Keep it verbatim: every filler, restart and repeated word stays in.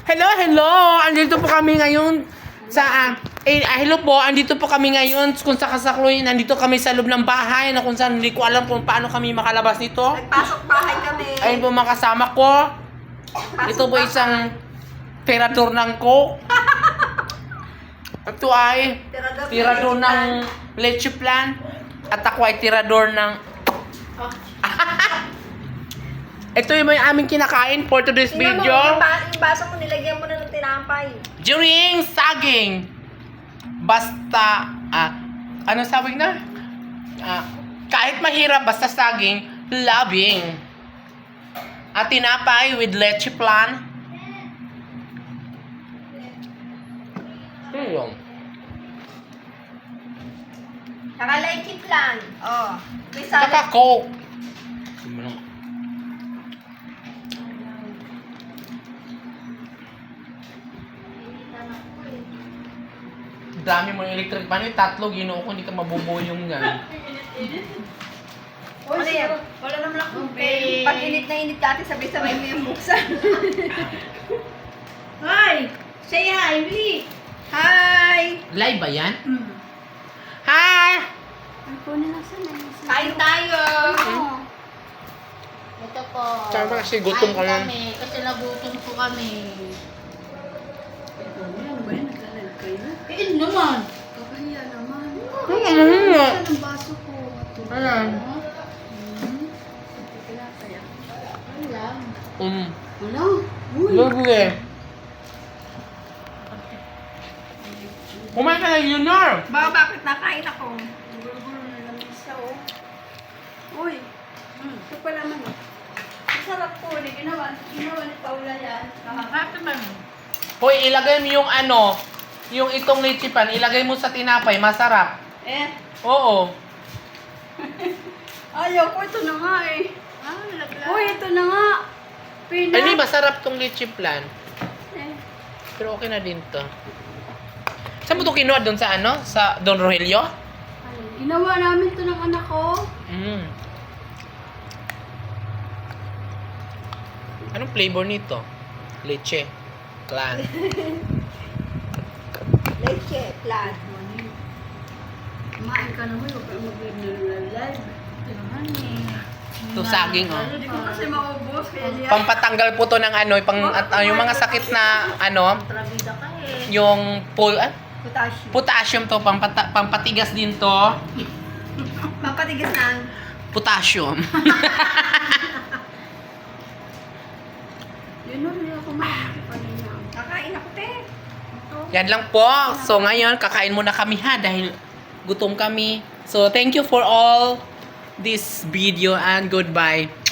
Hello, hello! Andito po kami ngayon sa... Eh, ah, hello po, andito po kami ngayon kung sa kasakloy, nandito kami sa loob ng bahay na kung saan hindi ko alam kung paano kami makalabas nito. Nagpasok bahay kami. Ayun po mga kasama ko. Ito po isang tirador ng coke. Ito ay Tirador, tirador ng leche plan. At ako ay tirador ng... Oh. Ito yung may aming kinakain for today's Tingnan mo, video. yung, ba- yung baso mo, nilagyan mo na ng tinampay. During saging. Basta, ah, ano sabi na? Ah, kahit mahirap, basta saging, loving. At tinapay with leche plan. Ano yun? Saka chip lang. Oh. May Saka salad. coke. Dami mo yung electric pan. Yung tatlo, ginoo ko, hindi ka mabubuyong yan. Ano yan? Wala naman akong pay. Pag init na init dati, sabay-sabay mo yung buksan. Hi! Say hi, Lee! Hi! Live ba yan? Mm. Hi! Kain tayo! Ito po. Tama kasi gutom Kain ka na. kami. Kasi nagutom po kami. Eh, naman. Kakahiya naman. Ano ano nga? Saan ang baso ko? Ayan. Ano lang? Um. Ano? Lovely. Kumain ka na, Junior! Ba, bakit nakain ako? Gulo-gulo na lang isa, oh. Uy! Hmm. Ito pa naman, oh. Masarap po. Hindi ginawa. Ginawa ni Paula yan. Nakakata man. Hoy, ilagay mo yung ano, yung itong leche pan, ilagay mo sa tinapay, masarap. Eh. Oo. Ayaw ko. Ito na nga, eh. Ah, laglag. Uy, ito na nga. Pina. Ay, hindi, masarap tong leche plan. Eh. Pero okay na din to. Saan mo ito kinuha? Doon sa ano? Sa Don Rogelio? Ay, ginawa namin ito ng anak ko. Mm. Anong flavor nito? Leche. Clan. Leche, flat. Kumain ka na mo, huwag kang mag-live. Ito naman eh. Ito saging, oh. Hindi ko kasi maubos, kaya niya. Pampatanggal po to ng ano, pang, at, ah, yung mga sakit na ano, Trabida ka eh. yung pol, ah, Potassium. potassium to, pampata, pampatigas din to. Mapatigas na ang Potassium. yun nun, hindi ako makakapagin niya. Kakain ako, te. Ito. Yan lang po. So ngayon, kakain muna kami ha dahil gutom kami. So thank you for all this video and goodbye.